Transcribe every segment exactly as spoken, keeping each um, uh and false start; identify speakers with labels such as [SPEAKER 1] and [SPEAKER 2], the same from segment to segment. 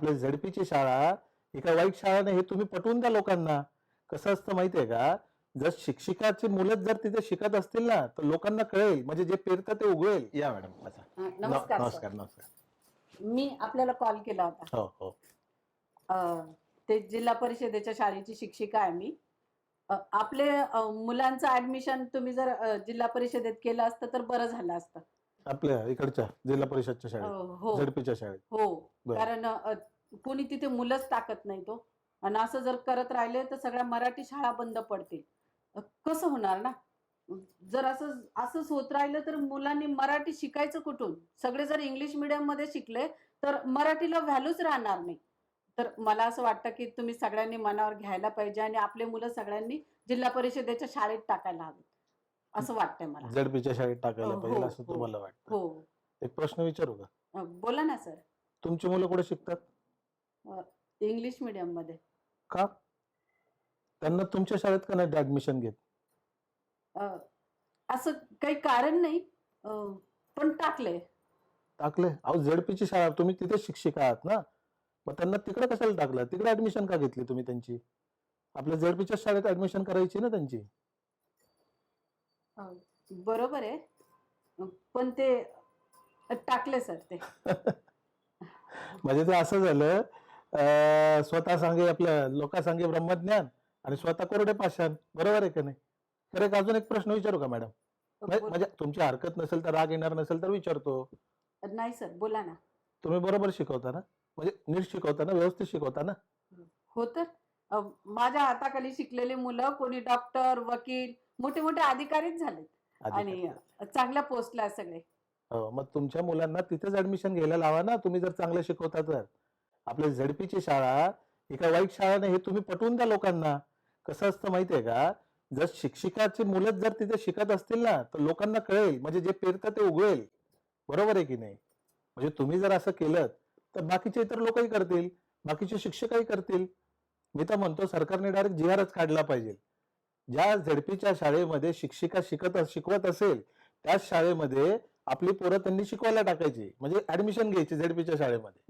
[SPEAKER 1] आपल्या झडपीची शाळा एका वाईट शाळा नाही हे तुम्ही पटवून द्या लोकांना. कसं असतं माहितीये का, जर शिक्षकाची मुलं जर तिथे शिकत असतील ना तर लोकांना कळेल, म्हणजे जे पेरतं ते उगवेल. या मॅडम बसा.
[SPEAKER 2] अ, नमस्कार सर.
[SPEAKER 1] नमस्कार नमस्कार.
[SPEAKER 2] मी आपल्याला कॉल केला होता.
[SPEAKER 1] हो हो.
[SPEAKER 2] अ, ते जिल्हा परिषदेच्या शाळेची शिक्षिका आहे मी. अ, आपले अ, मुलांचं ऍडमिशन तुम्ही जर अ, जिल्हा परिषदेत केलं असतं तर बरं झालं असतं.
[SPEAKER 1] आपल्या इकडच्या जिल्हा परिषदच्या
[SPEAKER 2] अ,
[SPEAKER 1] शाळेत,
[SPEAKER 2] हो
[SPEAKER 1] झडपीच्या शाळेत.
[SPEAKER 2] हो.
[SPEAKER 1] बरं.
[SPEAKER 2] कारण अ, कोणी तिथे मुलंच टाकत नाही तो. आणि असं जर करत राहिले तर सगळ्या मराठी शाळा बंद पडतील. अ, कसं होणार ना? जर असं असंच होत राहिलं तर मुलांनी मराठी शिकायचं कुठून? सगळे जर इंग्लिश मीडियम मध्ये शिकले तर मराठीला व्हॅल्यूच राहणार नाही. तर मला असं वाटतं की तुम्ही सगळ्यांनी मनावर घ्यायला पाहिजे आणि आपले मुलं सगळ्यांनी जिल्हा परिषदेच्या शाळेत टाकायला हवीत असं वाटतंय मला.
[SPEAKER 1] झडपीच्या शाळेत टाकायला
[SPEAKER 2] हो
[SPEAKER 1] पाहिजे असं
[SPEAKER 2] हो
[SPEAKER 1] तुम्हाला वाटतं.
[SPEAKER 2] हो.
[SPEAKER 1] एक प्रश्न विचारू का?
[SPEAKER 2] अ, बोला ना सर.
[SPEAKER 1] तुमची मुलं कुठे शिकतात?
[SPEAKER 2] अ, इंग्लिश मीडियम मध्ये.
[SPEAKER 1] का? त्यांना तुमच्या शाळेत का नाही ऍडमिशन घेत?
[SPEAKER 2] अ, असं काही कारण नाही. अ, पण टाकले.
[SPEAKER 1] टाकले? अहो झडपीची शाळा, तुम्ही तिथे शिक्षिका आहात ना, मग त्यांना तिकडे कशाला टाकलं? तिकडे ऍडमिशन का घेतली तुम्ही त्यांची? आपल्या झडपीच्या शाळेत ऍडमिशन करायची ना त्यांची.
[SPEAKER 2] अ, बरोबर आहे. अ, पण ते टाकले सर ते.
[SPEAKER 1] म्हणजे ते असं झालं, अं, स्वतः सांगे आपल्या लोका सांगे ब्रह्मज्ञान आणि स्वतः कोरडे पाषाण. बरोबर आहे का नाही? तर एक अजून एक प्रश्न विचारू का मॅडम?
[SPEAKER 2] बोल.
[SPEAKER 1] म्हणजे तुमची हरकत नसेल तर, राग येणार नसेल तर विचारतो.
[SPEAKER 2] नाही सर, बोला ना.
[SPEAKER 1] तुम्ही बरोबर शिकवता ना? म्हणजे नीट शिकवता ना, व्यवस्थित शिकवता ना?
[SPEAKER 2] हो तर. अ, माझ्या हाताखाली शिकलेली मुलं कोणी डॉक्टर, वकील, मोठे मोठे अधिकारीच झालेत आणि
[SPEAKER 1] अधिकारी.
[SPEAKER 2] चांगल्या पोस्टला आहेत सगळे.
[SPEAKER 1] हो, मग तुमच्या मुलांना तिथेच ऍडमिशन घ्यायला लावा ना, तुम्ही जर चांगलं शिकवता तर. आपल्या झडपीची शाळा एका वाईट शाळा नाही हे तुम्ही पटवून द्या लोकांना. कसं असतं माहितीये का, जर शिक्षकाची मुलं जर तिथे शिकत असतील ना तर लोकांना कळेल, म्हणजे जे पेरतं ते उगवेल. बरोबर आहे की नाही? म्हणजे तुम्ही जर असं केलं तर बाकीचे इतर लोकही करतील, बाकीचे शिक्षकही करतील. मी तर म्हणतो सरकारने डायरेक्ट जी आरच काढला पाहिजे. ज्या झडपीच्या शाळेमध्ये शिक्षिका शिकत शिकवत असेल त्याच शाळेमध्ये आपली पोरं त्यांनी शिकवायला टाकायची, म्हणजे ऍडमिशन घ्यायची झडपीच्या शाळेमध्ये.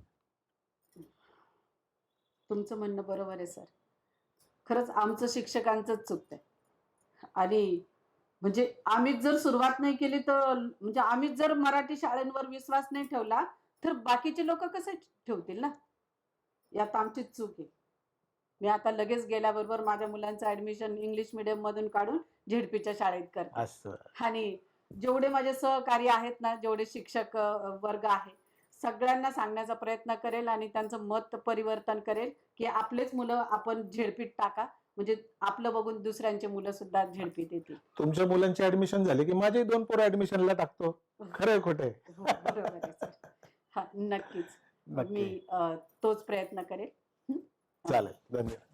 [SPEAKER 2] तुमचं म्हणणं बरोबर आहे सर. खरंच आमचं शिक्षकांचंच चुकतंय. आणि म्हणजे आम्हीच जर सुरुवात नाही केली तर, म्हणजे आम्हीच जर मराठी शाळांवर विश्वास नाही ठेवला तर बाकीचे लोक कसे ठेवतील ना? यात आमचीच चूक आहे. मी आता लगेच गेल्याबरोबर माझ्या मुलांचं ऍडमिशन इंग्लिश मीडियम मधून काढून झेडपीच्या शाळेत करते.
[SPEAKER 1] असं.
[SPEAKER 2] आणि जेवढे माझे सहकारी आहेत ना, जेवढे शिक्षक अ, वर्ग आहे, सगळ्यांना सांगण्याचा प्रयत्न करेल आणि त्यांचं मत परिवर्तन करेल की आपलेच मुलं आपण झेडपीत टाका, म्हणजे आपलं बघून दुसऱ्यांचे मुलं सुद्धा झेडपीत येतील.
[SPEAKER 1] तुमच्या मुलांची ऍडमिशन झाली की माझे दोन पोरं ऍडमिशनला टाकतो. खरंय खोटंय?
[SPEAKER 2] हो, बरोबर आहे सर. हा, नक्कीच. मी
[SPEAKER 1] नक्की.
[SPEAKER 2] अ, तोच प्रयत्न करेल. हं?
[SPEAKER 1] चालेल. धन्यवाद.